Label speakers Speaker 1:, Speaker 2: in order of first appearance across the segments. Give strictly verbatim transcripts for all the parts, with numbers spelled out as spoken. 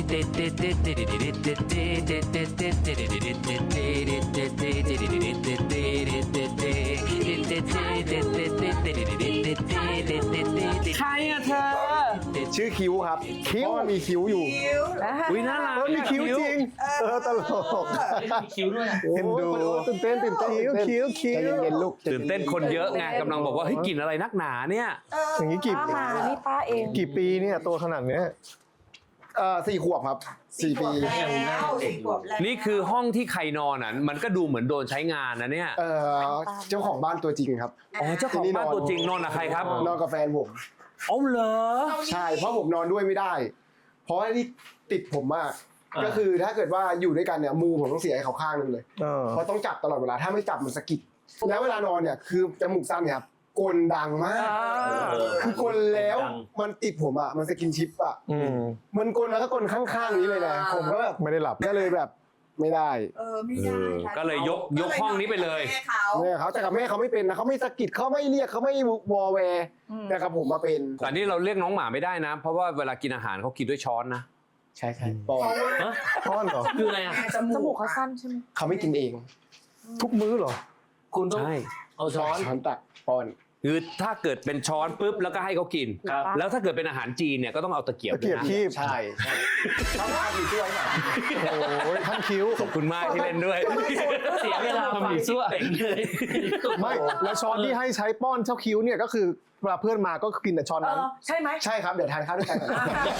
Speaker 1: ใครอะเธอ
Speaker 2: ชื่อคิ้วครับคิ้วมีคิ้วอยู่
Speaker 1: อุ้ยน่ารัก
Speaker 2: มีคิ้วจริงเออตลก
Speaker 3: มีคิ้วด้วย
Speaker 2: เห็นดูตื่นเต้นตื่นเต้นคิ้วคิ้วคิ้วเย็นลูก
Speaker 1: ตื่นเต้นคนเยอะไงกำลังบอกว่าเฮ้ยกลิ่นอะไรนักหนาเนี่ย
Speaker 2: อย่างนี้กี่ปี
Speaker 4: มานี่ป้าเอง
Speaker 2: กี่ปีเนี่ยตัวขนาดเนี้ยเอ่อสี่ขวบครับสี่ปี
Speaker 1: นี่คือห้องที่ใครนอนอ่ะมันก็ดูเหมือนโดนใช้งานนะเนี่ย
Speaker 2: เอ่อเจ้าของบ้านตัวจริงครับ
Speaker 1: อ๋อเจ้าของบ้านตัวจริงนอนกับใครครับ
Speaker 2: นอนกับแฟนผม
Speaker 1: อ๋อเหรอ
Speaker 2: ใช่เพราะผมนอนด้วยไม่ได้เพราะว่านี่ติดผมมากก็คือถ้าเกิดว่าอยู่ด้วยกันเนี่ยมือผมต้องเสียให้เขาข้างนึงเลยเพราะต้องจับตลอดเวลาถ้าไม่จับมันสะกิดแล้วเวลานอนเนี่ยคือจมูกสั้นเนี่ยครับกลดังมากคือกลแล้วมันติดผมอ่ะมันสกินชิปอ่ะมันกลแล้วก็กลข้างๆนี้เลยนะผมก็แบบไม่ได้หลับก็เลยแบบไม่ได้
Speaker 4: เออไม่ได้
Speaker 1: ก็เลยยกยกห้องนี้ไปเลย
Speaker 2: แม่เขาแต่กับแม่เขาไม่เป็นนะเขาไม่สะกิดเขาไม่เรียกเขาไม่วอแวร์แต่กับผมมาเป็น
Speaker 1: แต่นี่เราเรียกน้องหมาไม่ได้นะเพราะว่าเวลากินอาหารเขากินด้วยช้อนนะ
Speaker 2: ใช่ใช่ป้อนป้อนเหรอ
Speaker 3: คืออะไรอ่ะ
Speaker 4: จมูกเขาสั้นใช่ไหม
Speaker 2: เขาไม่กินเองทุกมื้อเหรอ
Speaker 3: คุณต้องเอาช้อน
Speaker 2: ช้อนตักป้อน
Speaker 1: คือถ้าเกิดเป็นช้อนปุ๊บแล้วก็ให้เขากินแล้วถ้าเกิดเป็นอาหารจีนเนี่ยก็ต้องเอาตะเกียบ
Speaker 2: ตะเกียบคีบ
Speaker 1: ใช่
Speaker 2: ต้องทำอีกด้วยค่ะโอ้ยท่านคิ้ว
Speaker 1: ขอบคุณมากที่เล่นด้วย
Speaker 3: เสียเวลาทำอีกซั่วเลย
Speaker 2: ไม่แล้วช้อนที่ให้ใช้ป้อนเจ้าคิ้วเนี่ยก็คือเวลาเพื่อนมาก็กินแต่ช้อนนั้น
Speaker 4: ใช่ไหม
Speaker 2: ใช่ครับเดี๋ยวทานข้าวด้วยกัน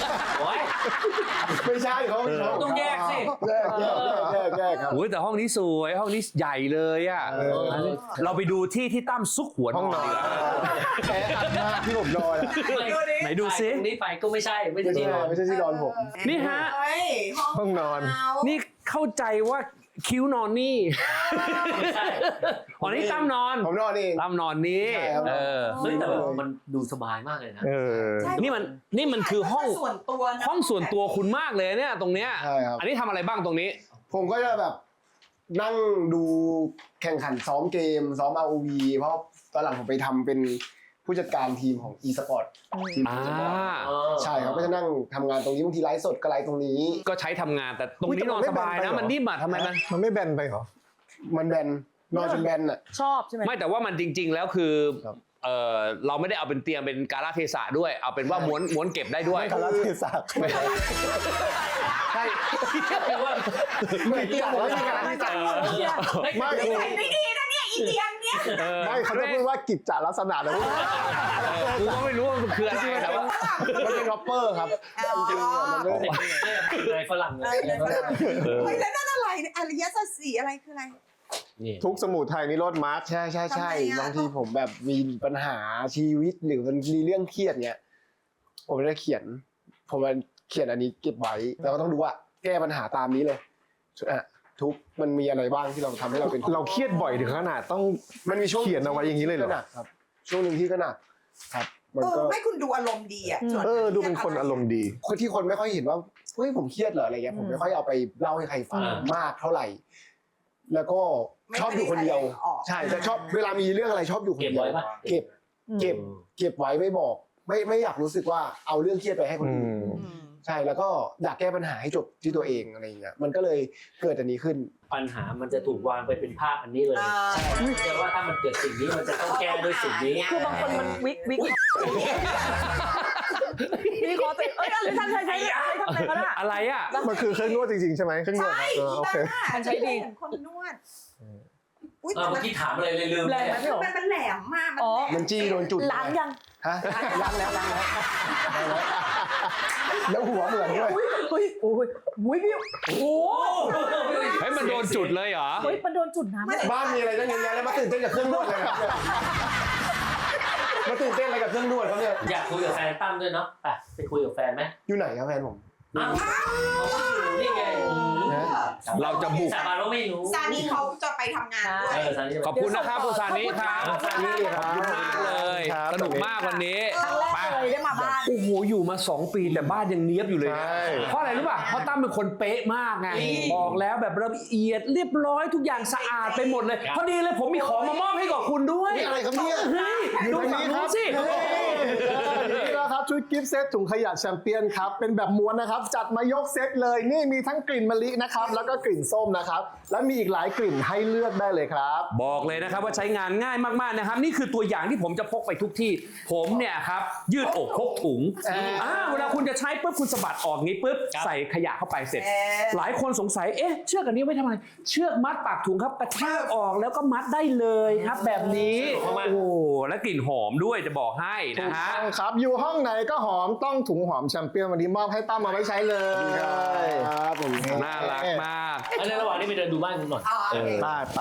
Speaker 2: ไม่ใช่เขา
Speaker 3: ต้องแยกสิ
Speaker 2: แยกแยกแยกแยกครับ
Speaker 1: โอ้ยแต่ห้องนี้สวยห้องนี้ใหญ่เลยอ่ะเราไปดูที่ที่ตั้มซุกหัว
Speaker 2: ห้องนอนแอร์อัดมากที่ผมนอน
Speaker 1: ไหนดูซิ
Speaker 3: นี่ไปก็ไม่ใช่ไม่ใช่ที่นอน
Speaker 2: ไม่ใช่ที่นอนผม
Speaker 1: นี่ฮะ
Speaker 2: ห้องนอน
Speaker 1: นี่เข้าใจว่าคิ้วนอนนี่อ๋อนี่ตั้มนอน
Speaker 2: ผมนอนเอง
Speaker 1: ตั้มนอนนี่เออ
Speaker 3: เฮ้ยแต่มันดูสบายมากเลยนะ
Speaker 1: นี่มันนี่มันคือห้อง
Speaker 4: ส่วนตัว
Speaker 1: ห้องส่วนตัวคุณมากเลยเนี่ยตรงเนี้ยอันนี้ทำอะไรบ้างตรงนี้
Speaker 2: ผมก็จะแบบนั่งดูแข่งขันซ้อมเกมซ้อม อาร์ โอ วี เพราะตอนหลังผมไปทำเป็นผู้จัดการทีมของ e-sport ทีม e-sport ใช่ครับก็จะนั่งทำงานตรงนี้บางทีไลฟ์สดก็ไลฟ์ตรงนี้
Speaker 1: ก็ใช้ทำงานแต่ตรงนี้นอนสบายนะมันนิ่มอ่ะทำไมมัน
Speaker 2: มันไม่แบนไปเหรอมันแบนนอนจนแบนอ่ะ
Speaker 4: ชอบใช่ไหม
Speaker 1: ไม่แต่ว่ามันจริงๆแล้วคือเออเราไม่ได้เอาเป็นเตียงเป็นกาลเทศะด้วยเอาเป็นว่าม้วนม้วนเก็บได้ด้วย
Speaker 2: กาลเทศะใช่
Speaker 3: แปลว่า
Speaker 2: ไม่เตียงไม่ใช่กาลเทศะ
Speaker 4: ไม่ไม่ดีนะเนี่ยอีเตียงเนี่ย
Speaker 2: ไม่เขาจะพูดว่ากิจจลักษณะนะพวก
Speaker 1: กูก็ไม่รู้ว่ามันคืออะไรแต่ว่า
Speaker 2: มันเป็นร็อปเปอร์ครับจริงๆมัน
Speaker 3: เป็นอะไรฝรั่งเลย
Speaker 4: เฮ้ยแล้วนั่นอะไรอริยสัจสี่อะไรคืออะไร
Speaker 2: ทุกสมุทัยนิโรธมรรคใช่ใช่ใช่บางทีผมแบบมีปัญหาชีวิตหรือมันมีเรื่องเครียดเนี้ยผมจะเขียนผมจะเขียนอันนี้เก็บไว้แล้วก็ต้องดูว่าแก้ปัญหาตามนี้เลยทุกมันมีอะไรบ้างที่เราทำให้เราเป็นเราเครียดบ่อยถึงขนาดต้องมันมีช่วงเขียนเอาไว้อย่างนี้เลยเหรอครับช่วงหนึ่งที่ก็หนักครับ
Speaker 4: มันก็ไม่คุณดูอารมณ์ดีอ่ะ
Speaker 2: เออดูเป็นคนอารมณ์ดีคนที่คนไม่ค่อยเห็นว่าเฮ้ยผมเครียดเหรออะไรเงี้ยผมไม่ค่อยเอาไปเล่าให้ใครฟังมากเท่าไหร่แล้วก็ชอบอยู่คนเดียวใช่แต่ชอบเวลามีเรื่องอะไรชอบอยู่คนเดียวเก็บเก็บเก็บไว้ไม่บอกไม่ไม่อยากรู้สึกว่าเอาเรื่องเครียดไปให้คนอื่นใช่แล้วก็อยากแก้ปัญหาให้จบที่ตัวเองอะไรอย่างเงี้ยมันก็เลยเกิดอันนี้ขึ้น
Speaker 3: ปัญหามันจะถูกวางไปเป็นภาพอันนี้เลยแต่ว่าถ้ามันเกิดสิ่งนี้มันจะต้องแก้ด้วยสิ่งนี้
Speaker 4: คือบางคนมันวิกวิกมีขอติเอ้ยอะไรท่านใช้ใช้ใช้ทำอะไรกันอะ
Speaker 1: อะไรอ่ะ
Speaker 2: มันคือเครื่องนวดจริงๆใช่ไหมเครื่องนวด
Speaker 4: ใช่โอเคท่านใช้ดีคนนวด
Speaker 3: อุ้ยเมื่อกี้ถามอะไรเลยลืมเลย
Speaker 4: มันมันแหลมมาก
Speaker 2: มันจี้โดนจุด
Speaker 4: ล้างยัง
Speaker 2: ฮะล้างแล้วล้างแล้วแล้วหัวเหมือนด้วย
Speaker 4: เฮ้ยโอ้ยมุ้ยพี่โอ้
Speaker 1: เฮ้ยมันโดนจุดเลยเหรอ
Speaker 4: เฮ้ยมันโดนจุดน้
Speaker 2: ำบ้านมีอะไรตั้งเยอะแยะแล้วมาตื่นเต้นกับเครื่องนวดเลยครับมาตื่นเต้นอะไรกับเครื่องนวดครับเนี่ย
Speaker 3: อยากคุยกับแฟนตั้มด้วยเนาะไปไปคุยกับแฟนไหม
Speaker 2: อยู่ไหนครับแฟนผม
Speaker 3: อ้าวนี่ไง
Speaker 1: เราจะบุก
Speaker 3: สาบานว่าไม่รู้
Speaker 4: ซานีเขาจะไปทำงานด้วย
Speaker 1: ขอบคุณนะครับคุณซานีครับขอบคุณมากเลยสนุกมากวันนี้
Speaker 4: ครั้งแรกเลยได้มาบ้าน
Speaker 1: โอ้โหอยู่มาสองปีแต่บ้านยังเนียบอยู่เลยเพราะอะไรรู้ป่ะเพราะตั้มเป็นคนเป๊ะมากไงบอกแล้วแบบละเอียดเรียบร้อยทุกอย่างสะอาดไปหมดเลยพอดีเลยผมมีของมามอบให้กับคุณด้วย
Speaker 2: อะไรครับเนี่ย
Speaker 1: ดูฝั่งนู้นสิ
Speaker 2: นี่แล้วครับ
Speaker 5: ชุดกิฟต์เซตถุงขยะแชมเปี้ยนครับเป็นแบบม้วนนะครับจัดมายกเซตเลยนี่มีทั้งกลิ่นมะลินะครับแล้วก็กลิ่นส้มนะครับและมีอีกหลายกลิ่นให้เลือกได้เลยครับ
Speaker 1: บอกเลยนะครับว่าใช้งานง่ายมากๆนะครับนี่คือตัวอย่างที่ผมจะพกไปทุกที่ผมเนี่ยครับยืดอกพกถุงอ่าเวลาคุณจะใช้ปุ๊บคุณสะบัดออกงี้ปุ๊บใส่ขยะเข้าไปเสร็จ หลายคนสงสัยเอ๊ะเชือกอันนี้ไว้ทำไมเชือกมัดปากถุงครับกระชากออกแล้วก็มัดได้เลยครับแบบนี้โอ้โหและกลิ่นหอมด้วยจะบอกให้นะฮะ
Speaker 5: ครับอยู่ห้องไหนก็หอมต้องถุงหอมแชมเปี้ยนวันนี้มอบให้ตั้มมาไว้ใช้เลย
Speaker 2: ครับผม
Speaker 1: น่ารักมาก
Speaker 3: อันในระหว่างนี้ไปเดินดูบ้านคุณหน่อย
Speaker 4: อ๋อโอเค
Speaker 5: ไปไป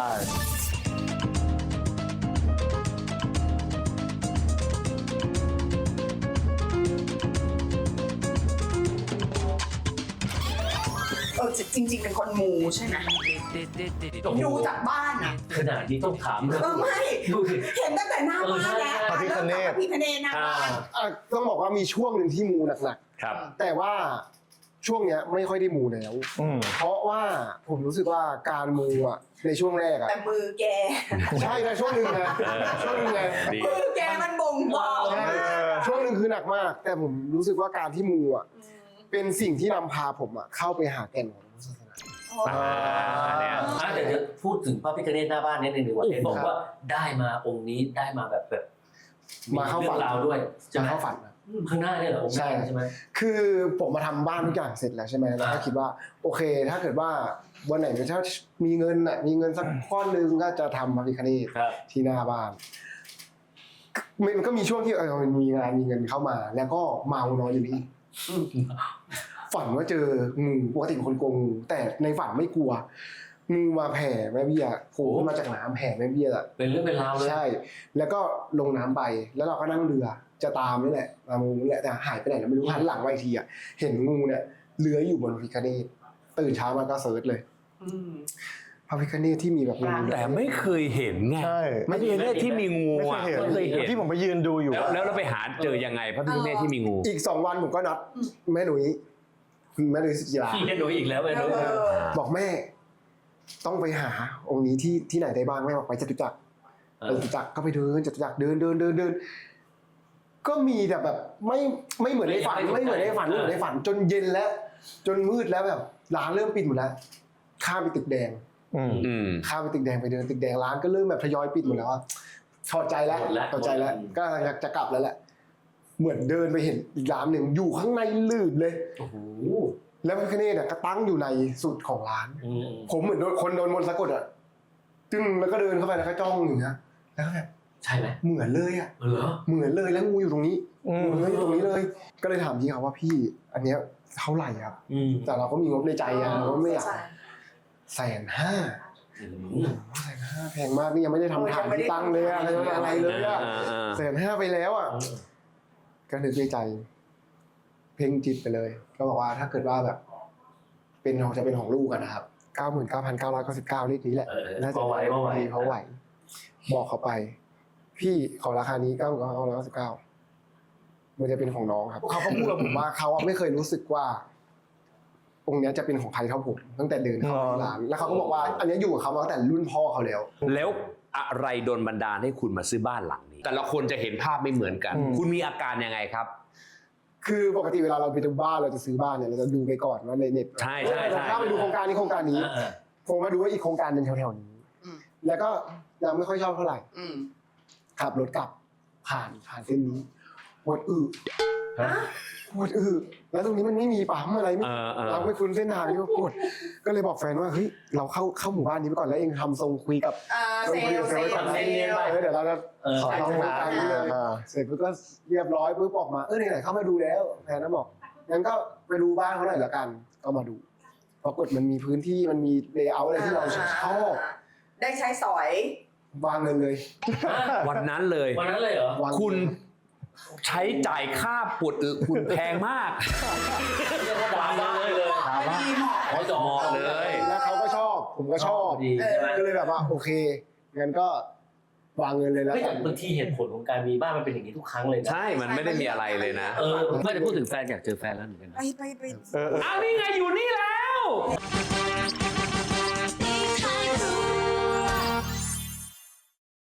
Speaker 4: เออจริง ๆ เป็นคนมูใช่ไหมดูจากบ้านอ่ะ
Speaker 3: ขนาดนี้ต้องถามเลย
Speaker 4: เออไม่
Speaker 3: ดูสิ
Speaker 4: เห็นตั้งแต่หน้าบ้านแล้ว
Speaker 5: พระพิฆเนศ
Speaker 4: พระพิฆเนศหน้าบ้าน
Speaker 2: อ่ะต้องบอกว่ามีช่วงหนึ่งที่มูหนัก
Speaker 1: ครับ
Speaker 2: ๆแต่ว่าช่วงเนี้ยไม่ค่อยได้มูแล้ว
Speaker 5: อืม
Speaker 2: เพราะว่าผมรู้สึกว่าการมูอ่ะในช่วงแรกอ่ะ
Speaker 4: แต่มือแก
Speaker 2: ใช่นะช่วงหนึ่งนะช่วงหนึ่งไง
Speaker 1: ดี
Speaker 4: มือแกมันบ่งบอก
Speaker 2: ใช่ช่วงหนึ่งคือหนักมาก แต่ผมรู้สึกว่าการที่มูอ่ะเป็นสิ่งที่นำพาผมอ่ะเข้าไปหาแก่นของศาสนา
Speaker 1: อ่าเนี่ย
Speaker 3: อ่ะเดี๋ยวจะพูดถึงพระพิฆเนศหน้าบ้านนิดนึงดีกว่าเห็นบอกว่าได้มาองค์นี้ได้มาแบบแบบ
Speaker 2: มาเข้าฝัน
Speaker 3: เรื่องราวด้วย
Speaker 2: จะเข้าฝันนะ
Speaker 3: อืมข้างหน้าเนี่ยเหรอองค์แรกใช่ไหม
Speaker 2: คือผมมาทำบ้านทุกอย่างเสร็จแล้วใช่ไหมแล้วก็คิดว่าโอเค ถ้าเกิดว่าวันไหนถ้ามีเงินอ่ะมีเงินสักก้อนหนึงก็จะทำพระพิฆเนศ
Speaker 3: ครับ
Speaker 2: ที่หน้าบ้านมันก็มีช่วงที่เออมันมีงานมีเงินเข้ามา แล้วก็เมานอนอยู่นี่ฝันว่าเจองูปกติเป็นคนกลัวงูแต่ในฝันไม่กลัวงูมาแผ่แม่เบี้ยโผล่ขึ้นมาจากน้ำแผ่แม่เบี้ยอะ
Speaker 3: เป็นเรื่องเป็นราวเลย
Speaker 2: ใช่ แล้วก็ลงน้ำไปแล้วเราก็นั่งเรือจะตามนี่แหละตามงูนี่แหละแต่หายไปไหนเราไม่รู้หันหลังไปอีกทีอ่ะเห็นงูเนี่ยเลื้อยอยู่บนพระพิฆเนศตื่นเช้ามาก็เซิร์ชเลยพระพิฆเนศที่มีแบบงู
Speaker 1: แต่ไม่เคยเห็นไง
Speaker 5: ใช่
Speaker 1: พระพิฆเนศที่มีงู
Speaker 5: ไม่
Speaker 1: อ่ะ
Speaker 5: เคยเห็น
Speaker 1: ไม่เคยเห็น
Speaker 5: ที่ผมไปยืนดูอยู่
Speaker 1: แล้วแล้วเราไปหาเจอยังไงพระพิฆเนศที่มีงู
Speaker 2: อีกสองวันผมก็นัดแม่หนุ่ยแม่หนุ่ยสุจิรา
Speaker 3: พี่แค่ดูอีกแล้วไปดู
Speaker 4: เออ
Speaker 2: บอกแม่ ต้องไปหาองค์นี้ที่ที่ไหนได้บ้างแม่บอกไปจตุจักรไปจตุจักรก็ไปเดินจตุจักรเดินเดินเดินเดินก็มีแต่แบบไม่ไม่เหมือนในฝันไม่เหมือนในฝันไม่เหมือนในฝันจนเย็นแล้ว จนมืดแล้วแบบร้านเริ่มปิดหมดแล้วข้ามไปตึกแดง
Speaker 5: อืม
Speaker 1: อืม
Speaker 2: ข้ามไปตึกแดงไปเดินตึกแดงร้านก็เริ่มแบบทยอยปิดหมดแล้วอะถอดใจแล้วถอดใจแล้ว ก็อยากจะกลับแล้วแหละ เหมือนเดินไปเห็นอีกร้านหนึ่งอยู่ข้างในลืดเลย
Speaker 3: โอ้โห
Speaker 2: แล้วพระพิฆเนศเนี่ยก็ตั้งอยู่ในสุดของร้าน
Speaker 3: อืม
Speaker 2: ผมเหมือนโดนคนโดนมนต์สะกดอ่ะจึงแล้วก็เดินเข้าไปแล้วก็จ้องอย่างเงี้ยแล้วก็แบบ
Speaker 3: ใช่ไหม
Speaker 2: เหมือนเลยอ่ะ
Speaker 3: เหรอ
Speaker 2: เหมือนเลยแล้วงูอยู่ตรงนี้
Speaker 5: อืม
Speaker 2: งูอยู่ตรงนี้เลย ก็เลยถามพี่เขาว่าพี่ อันเนี้ยเท่าไหร่ครับ
Speaker 3: อืม
Speaker 2: แต่เราก็มีงบในใจอะเราก็ไม่อยากแสนห้า
Speaker 3: อืม
Speaker 2: แสนห้าแพงมากนี่ยังไม่ได้ทำฐานที่ตั้งเลยอะอะไรอะไรเลยอะ
Speaker 1: อ่าอ่า
Speaker 2: แสนห้าไปแล้วอ่ะก็นึกในใจ เพ่งจิตไปเลย ก็บอกว่าถ้าเกิดว่าแบบ เป็นของจะเป็นของลูกกันนะครับเก้าหมื่นเก้าพันเก้าร้อยเก้าสิบเก้าเลขนี้แหละ
Speaker 3: เออ
Speaker 2: น่าจะ
Speaker 3: พอไหวพอไหว
Speaker 2: เขาไหว บอกเขาไป พี่ขอราคานี้เก้าหมื่นเก้าพันเก้าร้อยเก้าสิบเก้ามันจะเป็นของน้องครับเขาก็พูดกับผมว่าเขาอะไม่เคยรู้สึกว่า องค์เนี้ยจะเป็นของใครเท่าผมตั้งแต่เดินเข้ามาในร้าน แล้วเขาก็บอกว่า อันเนี้ยอยู่กับเขามาตั้งแต่รุ่นพ่อเขาแล้ว
Speaker 1: แล้วอะไรโดนบันดาลให้คุณมาซื้อบ้านหลังนี้ แต่ละคนจะเห็นภาพไม่เหมือนกัน
Speaker 5: อืม
Speaker 1: คุณมีอาการยังไงครับ
Speaker 2: คือปกติเวลาเราไปดูบ้านเราจะซื้อบ้านเนี่ยเราจะดูไปก่อนว่าในเน็ต
Speaker 1: ใช่ใช่ใช่
Speaker 2: ถ้าไปดูโครงการนี้โครงการนี้
Speaker 3: อ่า
Speaker 2: ผมมาดูว่าอีกโครงการหนึ่งแถวๆนี้
Speaker 4: อืม
Speaker 2: แล้วก็ยังไม่ค่อยชอบเท่าไหร่
Speaker 4: อืม
Speaker 2: ขับรถกลับผ่านผ่านเส้นนี้ปวดอึปวดอึแล้วตรงนี้มันไม่มีปั๊มอะไรไม่
Speaker 1: เออเออ
Speaker 2: เราไม่คุ้นเส้นทางนี่ก็ปวดก็เลยบอกแฟนว่าเฮ้ยเราเข้าเข้าหมู่บ้านนี้ไปก่อนแล้วเองทำทรงคุยกับ
Speaker 4: เออเซลลเซลล
Speaker 2: เออเดี๋ยวเราจะ
Speaker 3: เออ
Speaker 2: ขอลองมากันเลย
Speaker 5: อ่า
Speaker 2: เสร็จปุ๊บก็เรียบร้อยปุ๊บออกมาเออไหนๆเข้ามาดูแล้วแฟนก็บอกงั้นก็ไปดูบ้านเขาหน่อยละกันก็มาดูปรากฏมันมีพื้นที่มันมีเลเยอร์อะไรที่เราชอบ
Speaker 4: ได้ใช้สอย
Speaker 2: วางเงินเลย
Speaker 1: วันนั้นเลย
Speaker 3: วันนั้นเลยเหรอ
Speaker 2: วาง
Speaker 1: คุณใช้จ่ายค่าปวดอึคุณแพงมาก
Speaker 3: เรียกว่าดาวเลยเลย
Speaker 4: ถามว่าเหมาะ
Speaker 3: ขอจอง
Speaker 1: เหมาะเลย
Speaker 2: แล้วเขาก็ชอบ ผมก็ชอบ
Speaker 3: ดีใช่ไหม
Speaker 2: ก็เลยแบบว่าโอเคงั้นก็วางเงินเลยแล้ว
Speaker 3: เฮ้ย
Speaker 2: กั
Speaker 3: แต่
Speaker 2: น
Speaker 3: บางทีเหตุผลของการมีบ้านมันเป็นอย่างนี้ทุกครั้งเลยนะ
Speaker 1: ใช่ มันไม่ได้มีอะไรเลยนะ
Speaker 3: เออไม่ได้พูดถึงแฟนอยากเจอแฟนแล้วเหมือนกัน
Speaker 4: ไปไปไป
Speaker 5: เออเออ
Speaker 1: อ้าวนี่ไงอยู่นี่แล้ว